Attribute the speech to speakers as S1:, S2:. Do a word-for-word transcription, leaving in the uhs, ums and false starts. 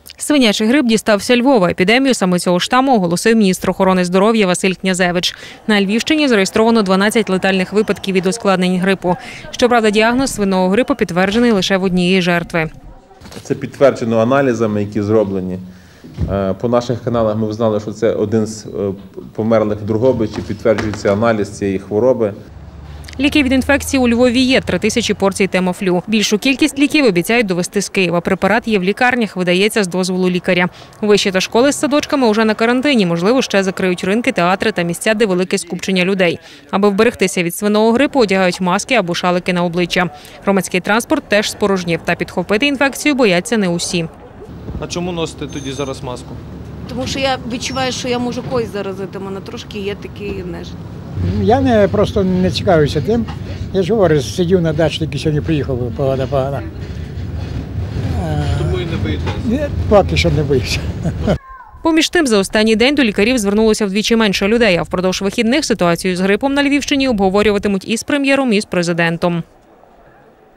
S1: Свинячий грип дістався Львова. Епідемію саме цього штаму оголосив міністр охорони здоров'я Василь Князевич. На Львівщині зареєстровано дванадцять летальних випадків від ускладнень грипу. Щоправда, діагноз свиного грипу підтверджений лише в однієї жертви.
S2: Це підтверджено аналізами, які зроблені. По наших каналах ми знали, що це один з померлих в Дрогобичі, підтверджується аналіз цієї хвороби.
S1: Ліки від інфекції у Львові є – три тисячі порцій Темофлю. Більшу кількість ліків обіцяють довести з Києва. Препарат є в лікарнях, видається з дозволу лікаря. Виші та школи з садочками уже на карантині. Можливо, ще закриють ринки, театри та місця, де велике скупчення людей. Аби вберегтися від свиного грипу, одягають маски або шалики на обличчя. Громадський транспорт теж спорожнів. Та підхопити інфекцію бояться не усі.
S3: А чому носите тоді зараз маску?
S4: Тому що я відчуваю, що я можу когось заразити. У мене трошки є такий нежить.
S5: Я не, просто не цікавився тим. Я ж говорю, сидів на дачі, тільки сьогодні приїхав, погода погана.
S3: Тому і не боїтеся?
S5: Поки що не боюся.
S1: Поміж тим, за останній день до лікарів звернулося вдвічі менше людей, а впродовж вихідних ситуацію з грипом на Львівщині обговорюватимуть і з прем'єром, і з президентом.